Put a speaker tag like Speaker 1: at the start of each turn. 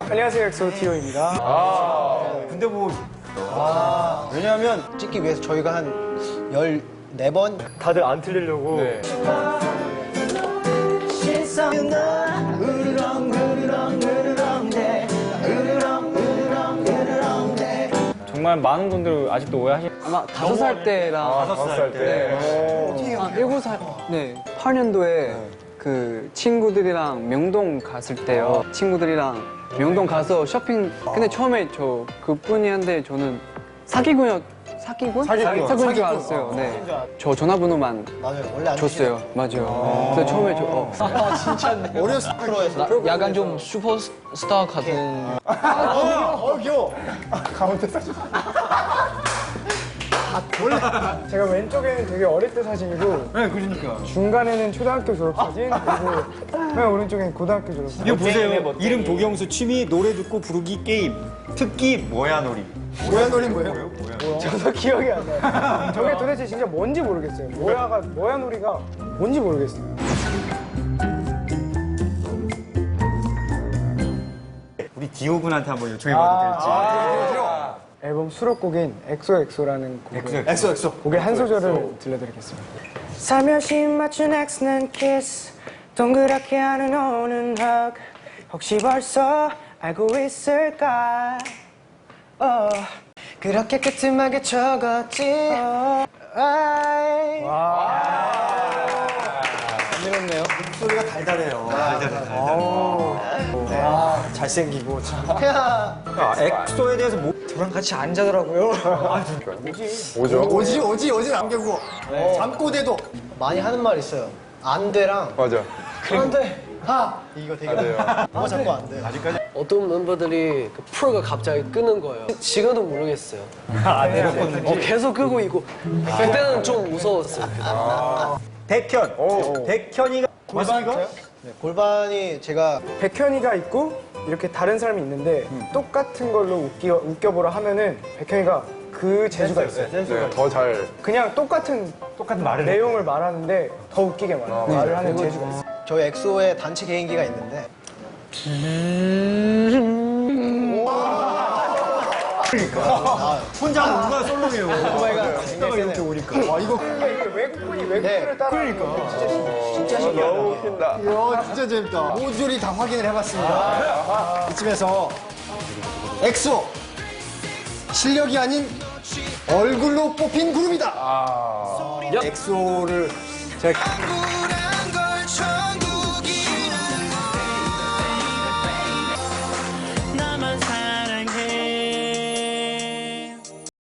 Speaker 1: 안녕하세요, 엑소 티오입니다.
Speaker 2: 근데 뭐
Speaker 3: 왜냐하면 찍기 위해서 저희가 한 14번
Speaker 1: 다들 안 틀리려고.
Speaker 2: 네.
Speaker 4: 정말 많은 분들 아직도 오해하시. 아마 5살 때랑
Speaker 2: 5살 때.
Speaker 4: 한 7살, 네, 8년도에 그 친구들이랑 명동 갔을 때요. 친구들이랑 명동 가서 쇼핑. 근데 처음에 저 그뿐이한데 저는 사기꾼인 줄 알았어요. 네, 저 전화번호만
Speaker 3: 맞아요. 원래 안
Speaker 4: 줬어요. 맞아요. 그래서 처음에
Speaker 3: 진짜네. 어렸을 프로에서
Speaker 5: 약간 좀 슈퍼스타 같은.
Speaker 3: 귀여워.
Speaker 1: 가운데 사진. 원래 제가 왼쪽에는 되게 어릴 때 사진이고,
Speaker 2: 네, 그러니까.
Speaker 1: 중간에는 초등학교 졸업 사진, 그리고 맨 오른쪽엔 고등학교 졸업 사진.
Speaker 2: 이거 보세요. 이름 도경수, 취미 노래 듣고 부르기 게임, 특기 뭐야놀이.
Speaker 3: 모야놀이 뭐예요?
Speaker 1: 저도 기억이 안 나요. 저게 도대체 진짜 뭔지 모르겠어요. 모야 놀이가 뭔지 모르겠어요.
Speaker 2: 우리 디오 군한테 한번 요청해봐도 될지.
Speaker 1: 앨범 수록곡인 엑소엑소라는 곡을
Speaker 3: 엑소.
Speaker 1: 곡의 한 소절을 들려드리겠습니다. 살며시 맞춘 X는 키스, 동그랗게 하는 오는 hug. 혹시 벌써 알고 있을까? 그렇게 끄트하게 적었지.
Speaker 4: 힘들었네요.
Speaker 3: 목소리가 달달해요. 잘생기고 참.
Speaker 2: 엑소에 대해서 뭐
Speaker 1: 저랑 같이 안 자더라고요.
Speaker 3: 오지 남겨고. 잠꼬대도 많이 하는 말 있어요. 안 돼랑
Speaker 6: 맞아.
Speaker 3: 안 돼. 이거 되게 뭐 자꾸 안 돼.
Speaker 2: 아직까지
Speaker 5: 어떤 멤버들이 그 프로가 갑자기 끄는 거예요. 지금도 모르겠어요. 계속 끄고 있고. 그때는 좀 무서웠어요.
Speaker 2: 백현이가 맞습니까?
Speaker 3: 네, 골반이 제가
Speaker 1: 백현이가 있고 이렇게 다른 사람이 있는데 똑같은 걸로 웃겨보라 하면은 백현이가 그 재주가 있어요.
Speaker 6: 네, 더 잘.
Speaker 1: 그냥 똑같은
Speaker 2: 말을
Speaker 1: 내용을 말하는데 더 웃기게 말을 하는 재주가 있어요.
Speaker 3: 저희 엑소의 단체 개인기가 있는데
Speaker 2: 혼자 하면 누가 솔로예요.
Speaker 3: 오마이갓
Speaker 2: 이렇게 오니까.
Speaker 3: 이거
Speaker 1: 이게 외국분이 외국분을 따라
Speaker 3: 진짜 신기하다.
Speaker 6: 너무 웃긴다.
Speaker 3: 이야 진짜 재밌다. 모듈이 다 확인을 해봤습니다. 이쯤에서 엑소 실력이 아닌 얼굴로 뽑힌 그룹이다. 엑소를 제가